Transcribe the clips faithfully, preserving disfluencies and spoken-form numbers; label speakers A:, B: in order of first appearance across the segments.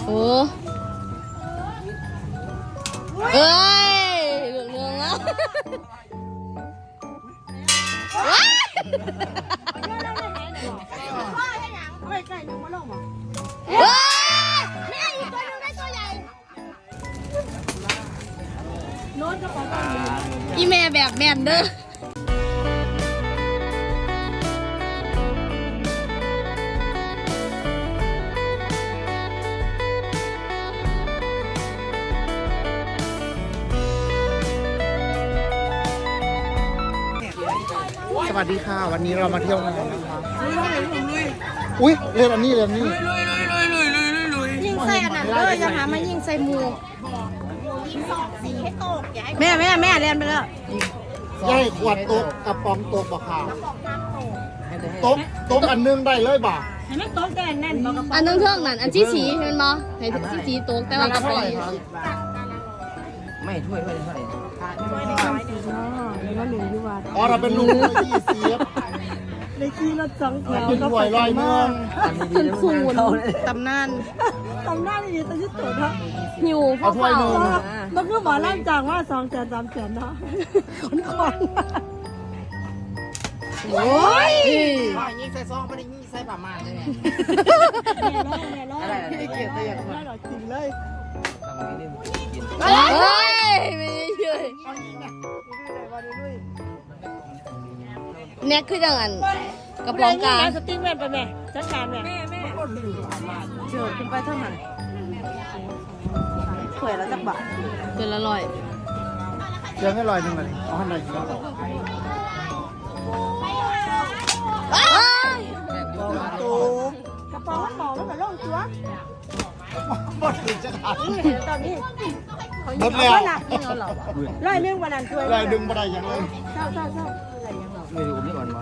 A: โอ้เอ้ยเหลืองเรืองแล้วว้ายแม่อีกตัวนึงได้ตัวใหญ่โน้ตก็ของอีแม่แบบแม่นเด้อ
B: สวัสดีค่ะวันนี้เรามาเที่ยวงานนะคะอุ้ยเล่นอันนี้เล่นอันนี้
A: ยิงใส่อันนั้นเลยอย่าหามายิงใส่หมูแม่แม่แม่เรียนไปแล้ว
B: ใช่ขวดโต๊ะกระป๋องโต๊ะบ่ค่ะโต๊ะโต๊ะอันนึงได้เลยบ่
C: ให้มันโต๊ะแน่นแน่นบอกกับ
A: อันนึงเท่านั้นอันที่สีเห็นบ่ให้ที่สีโต๊ะแต่ว่ากระป๋อง
D: ไม่ถ้วยถ้วยเท่าไหร่
B: อ๋อเราเป็นลุงยี่สิบ
C: ได้ขี่รถสองแถว
B: เป็นหวยลอยเมือง
A: คุณคูณตำนาน
C: ตำหน้าดีๆตอนที่ตัวเนาะ
A: หิวพ่อเผา
C: มันคือหมอร่างจางว่าสองแสนสามแสนเนาะคนคอน
A: โอ้ย
D: ยิ่งใส่ซองไม่ได้ยิ่งใส่ประมาณเลยเนี่ย
C: แม่ร้องแม่ร้องไม่เกลียดแต่อย่างนั้นหรอกจริงเลย
A: เฮ้ยไม่เฉยแน็กคือจังอันกระป๋องกา
C: สติ๊กแม่ไปแม่จัดการแม่แม่แม่เชิญขึ้นไปเท่านั้นสวยแล้วจักบาท
A: เกินละร้อย
B: เดี๋ยวให้ลอยหนึ่งเลยเอาให้หน่อยสิครับ
C: กระป๋องมันหมอมันก็ล่องตัว
B: หมดถึงจะขาด
C: ตอนนี้
B: หมดแล้ว
C: ร้อยเรื่องวันนั้นช่วย
B: ลอยดึงมาได้ยังเลย
C: เศร้าเศร้าเศร้า
D: ไม่รู้ไม่อ่อนวะ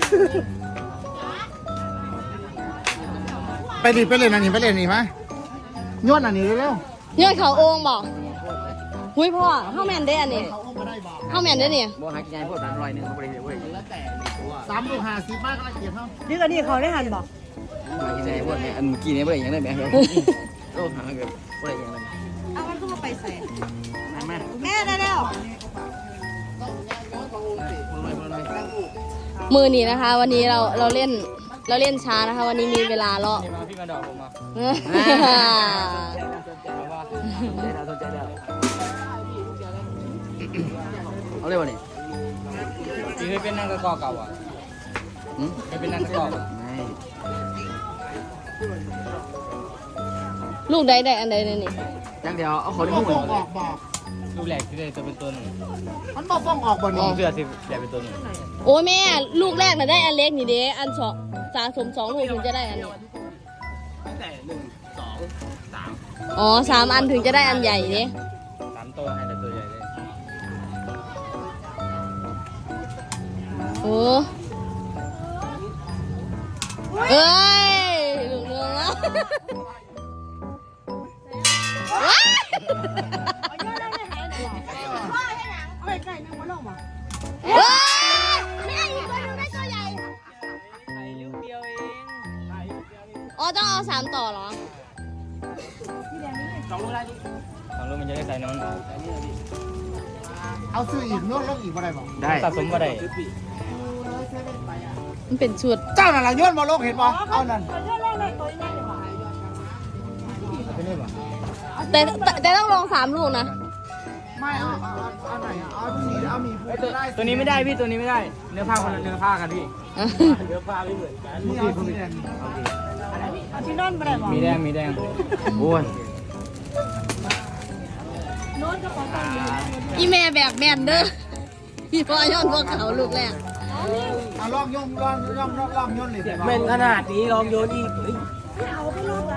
B: ไปดิไปเล่นอันนี้ไปเล่นอันนี้ไหมย้อนอันนี้เร็ว
A: ย้อนเขาโอ่งบอกหุ้ยพ่อเข้าแมนได้อันนี้
B: เขาเอามาได้บ่
A: เข้าแมนได้เนี่ย
D: บ่หากินไงพวกนั้นลอยหนึ่งเขาบริเวณบริเวณแล้วแต่
B: สามลูกห้าสิบมากก็ละเอียดเท่า
C: นี่ก็นี่เขาได้หันบอก
D: หากินไงพวกนี้อันเมื่อกี้นี้บริเวณยังได้ไหมโลหะเกิดบริเวณยังไง
C: เอามันก็มาไปใส่
D: แม่
C: แม่ได้แล้ว
A: มือนี้นะคะ วันนี้เราเราเล่นเราเล่นช้านะคะ วันนี้มีเวลาเลาะ
D: พี่มาดอกผมมา
A: เออ
D: สนใจแล้วเอาเลยวันนี้พี่เคยเป็นนางกระกอกเก่าอ่ะเคยเป็นนางกระกอกไม่
A: ลูกใดใดอันใดเนี่ยนี่
D: จังเดียวเอาคน
B: มัน
D: ที่
B: บ่
D: หุ่น
B: ฟ้องออกบอก
D: ลูกแหลกที่ได้จะเป็นตัวหนึ่ง
B: มันบ่ฟ้องออกบ่นี่
D: เสื้อสิแหลกเป็นตัวหนึ่ง
A: โอ้ยแม่ลูกแรกน่ะได้อันเล็กนี่เด้อันสองสะสมสองลูกถึงจะได้อันนี้
D: ตั้งแต่หนึ่งสองสาม
A: อ๋อสามอันถึงจะได้อันใหญ่เด้
D: สามตัวให้แต่ตัวใหญ่เลย
A: โอ้เอ้ยเหลืองเรืองแล้วว้าย
C: เอาไปใกล้นึงมาลงมา
A: เฮ้ยแม่อีกตัวนึงได้ตัวใหญ่อ๋อต้องเอาสามต่อเหรอ
D: สองลูกได้ดิสองลูกมันจะได้ใส่น้อง
B: เอาซื้ออีกโน้ตลงอีกบ่ได้บ่
D: ได้สะสมก็ได้
A: มันเป็นชุด
B: เจ้านั่นล่ะย้อนบ่ลงเห็นบ่เอานั่น
C: ตัวเยอะเลยเลยตัวใหญ่เลยว่ะ
D: ไปนี่ป่ะ
A: แต่แต่แต่ต้องลองสามลูกนะ
B: ไม่เอาเอาเอาไหนเอาสีเอามีผู้ได้
D: ตัวนี้ไม่ได้พี่ตัวนี้ไม่ได้เนื้อผ้าคนละเนื้อผ้ากันพี่เนื้อผ้าไม่เหมือนกัน
B: นี่เอาสีแดง
C: เอาที่นอนไปได้บอก
D: มีแดงมีแดงโอ้ย
C: โน้ตก็ของกันอยู่
A: อีแม่แบบแม่นเด้อพี่พ่อย่อนพวกเขาลูกแรก
B: เอาลองย่องลองย่องลองลองย่นเลย
D: เม่นขนาดนี้ลองโยนอีก
C: เอาไปลูกแล้ว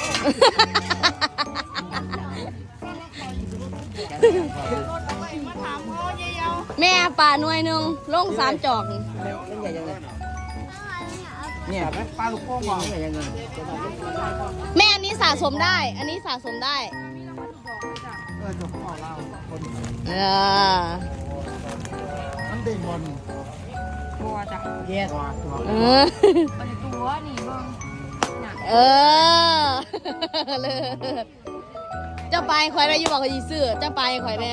A: แม่ป่าหน่วยหนึ่งลงสามจอก
D: ใหญ่ยังไงเนี่ย
B: ปลาลูกโป่งบ่
D: ใหญ่ยังไง
A: แม่อันนี้สะสมได้ อันนี้สะสมได้
B: เออจบของเราคน
A: เออ
B: มันเด้งบอล
C: บัวจ้ะ
D: แย่
B: ตัวตัว
A: เออ
C: ตัวนี่เบิ่ง
A: เออเลยเจ้าไปข่อยได้อยู่บอกกับยีซื้อเจ้าไปข่อยแน่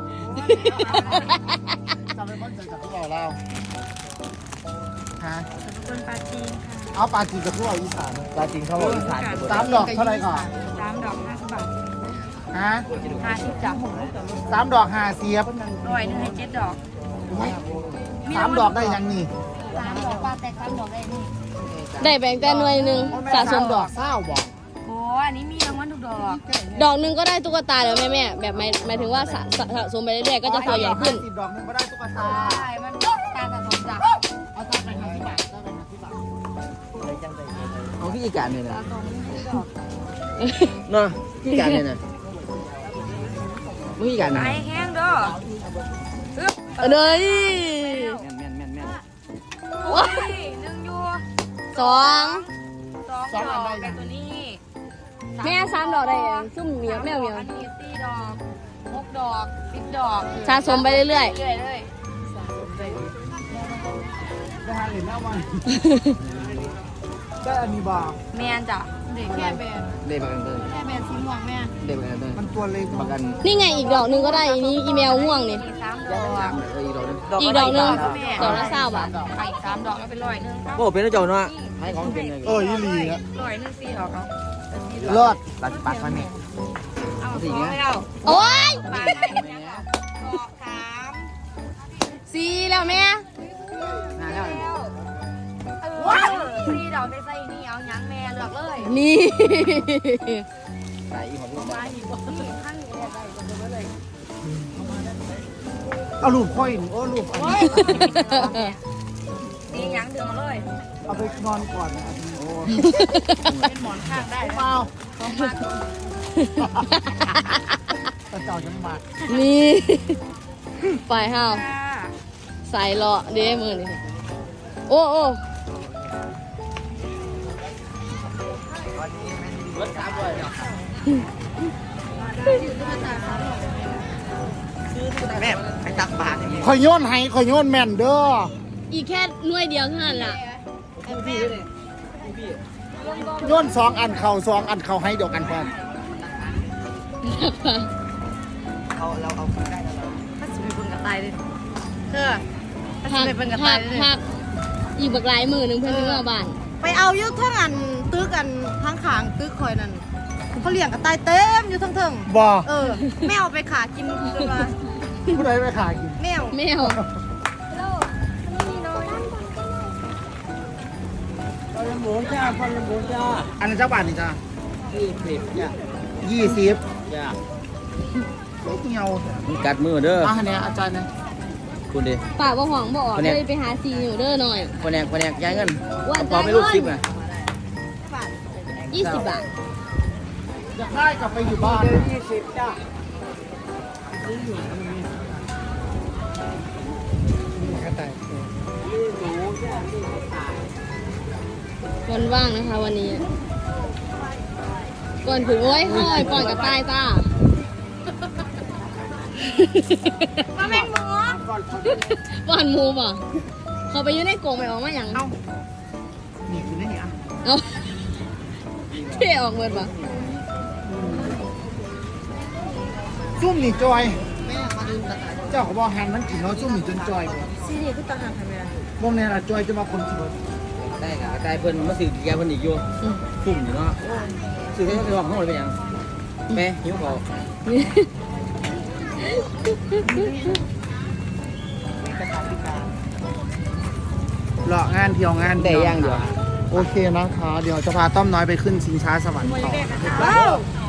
B: จำเป็นคนใจจากพวกเราเราฮะ
C: คนปาจีนค่ะ
B: เอาปลาจีนกับพวกเราอีสาน
D: ปลาจริงเขาบอกอีสาน
B: สามดอกเท่าไหร่ก่อน
C: สามดอกห้าสิบบาท
B: ฮะ
C: ห้าสิบจ้ะ
B: สามดอกห้าเสียบ
C: ร้อยหนึ่งให้เจ็ดดอก
B: โอ้ยสามดอกได้ยังนี่
C: สามดอกปลาแตกสามดอกได้นี่
A: ได้แบ่งแต่หน่วยหนึ่งสะสมดอก
B: เศร้าบอก
C: โอ้อันนี้มีรางวัลทุกดอก
A: ดอกหนึ่งก็ได้ตุ๊กตาแล้วแม่แม่แบบหมายหมายถึงว่าสะสะสะสมไปเรื่อยๆก็จะตัวใหญ่ขึ้น
B: สิบดอกหนึงก็ได้ตุ๊กตา
C: ใช่มันการสะสมจ้ะ
B: เอาตาไปห้าสิบบาทตาไปห้าสิบบาท
D: เอาพี่อีกการเลยนะ
C: สะสมทุกดอก
D: เนาะพี่การเลยนะพี่การนะ
C: ไอ้แห้งเด้ออึ๊บ
A: เออเลย
D: แม่นแม่นแม่นแม่น
C: โอ้ยหนึ่งอยู่
A: สอง
C: สองดอกแบบตัวนี้
A: แม่สามดอกได้ยังซุ่มเหมียวแมวเหมียว
C: อันนี้สี่ดอกหกดอกสิบดอก
A: สะสมไปเรื่อย
C: เรื่อยๆเลย
B: ได้หาเหรียญแล้วมันได้อันนี้บา
C: แมนจ้ะเด็กแค่แบน
D: ได้ประกันเลย
C: แค่แบนสีม่วงแม่
D: ได้ประกันเลย
B: มันตัวเล็ก
D: ประกัน
A: ๆ นี่ไงอีกดอกหนึ่งก็ได้อีนี้อีเมลม่วงนี่
C: มีสามด
D: ยั
C: อง ก
D: สามเลยเอออีกดอกนึง
A: อีกดอกหนึ่งดอกละเศร้าบาท
C: ไปอีกสามดอกแล้วเป็นร้อยหนึ่งครับ
D: โอ้เป็นเจ้าเนาะให้ของเป็นเลย
B: เออยี่หลีอะ
C: ร้อยหนึ่งสี่ดอกเอาเป็นสี่ดอก
B: เลิศ
D: ปลาปลาฟันนี่
C: เอาสองแล้ว
A: โอ้ย
C: ปลาได้ยังดอกสาม
A: สี่แล้วแม่
D: นานแล้ว
C: ว้าวสี่ดอกได้ใส่นี่เอายังแม่เลือกเลย
A: นี่
D: ใส่อีหัวลูก
C: มาอีกนี่ข้างนี้ได้ได้ก็เลย
B: เอาลูกค่อยหนึ่งโอ้ลูกอัน
C: โอ้
B: นี้
C: ยนี่ยังดึงมาเลย
B: เอาไปนอนก่อนนะโอ้
C: เป็นหมอนข้างได้
B: เปล่า
C: ต้องมา
B: ตะเจ้าจังหวัด
A: นี่ไปห้าว
C: ค่ะ
A: ใส่เลาะเด้มือนี่โอ้โอ้
D: รถสามด้วยแม่ไปตักบาตรอย่างนี้
B: ข่อยโยนให้ข่อยโยนแม่นเด้อ
A: อีกแค่หน่วยเดียวเท่านั้นล่ะ
B: โยนสองอันเข่าสองอันเข่าให้เดียวกันพร้อม
D: เอาเราเอาได้แล้วเรา
C: ถ้าสุดเป็นกระต่ายเลยเธอถ้า
A: พั
C: สุ
A: ก
C: ดเป็นกระ
A: พั
C: ต่าย
A: ก
C: เลย
A: พักอีกบักหลายมือหนึ่งเพื่อนเมื่อบ้าน
C: ไปเอายุททั้งอันตึกอันทั้งขางตึกคอยนั่นเขาเลี้ยงกระต่ายเต็มอยู่ทั้งเทิง
B: บ่
C: เออแมวไปขากินจนมา
B: ผู้ใดไปขายกิน
C: แมว
A: แมว
B: อันนั้นเจ้าบาทนี่จ้า
D: ยี่สิบเนี่ย
B: ยี่สิบ
D: จ้า
B: เล็กเงียว
D: มึงกัดมือเด้อ
B: อ่ะเนี่ยอาจารย์เนี่ย
D: คุณดิ
A: ป่าบ่ห่องบ่ออกเลยไปหาซีอยู่เด้อหน่อย
D: แผนกแผนกย้ายเงิน
A: ว่า
D: พอไม่รู้ซิปไง
A: ยี่สิบบาท
B: อยากได้กลับไปอยู่บ้านยี่สิบจ้า
A: วันว่างนะคะวันนี้ ก่อนถึงโอ้ยห้อยก่อนกับตายจ้า
C: มาเป็นหมู
A: ก่อนหมูป่ะเขาไปอยืนในกรงไปออกมาอย่าง
B: นี่คือนี่อ่ะ
A: เอาเท่ออกเงินป่ะ
B: ซุ่มนี่จอยเจ้าก็บอกหันมันกินเนาะซุ่มนี่จนจอย
C: ซีนี่คือตาหางทำไมล่ะ
B: พวกนี้ล่ะจอยจะมาคนกิน
D: ได้กับกระจายเพิ่นมาสื่อแกเพิ่นอีกอยู่สุ่มอยู่เนาะสื่อให้ไปบอกห้องเลยเป็นยังแม่หิวเขา
B: เลาะงานเที่ยวงาน
D: แต่ย่างเดียว
B: โอเคนะคะ เดี๋ยวจะพาต้อมน้อยไปขึ้นชิงช้าสวรรค์ต่อ
C: ว้าว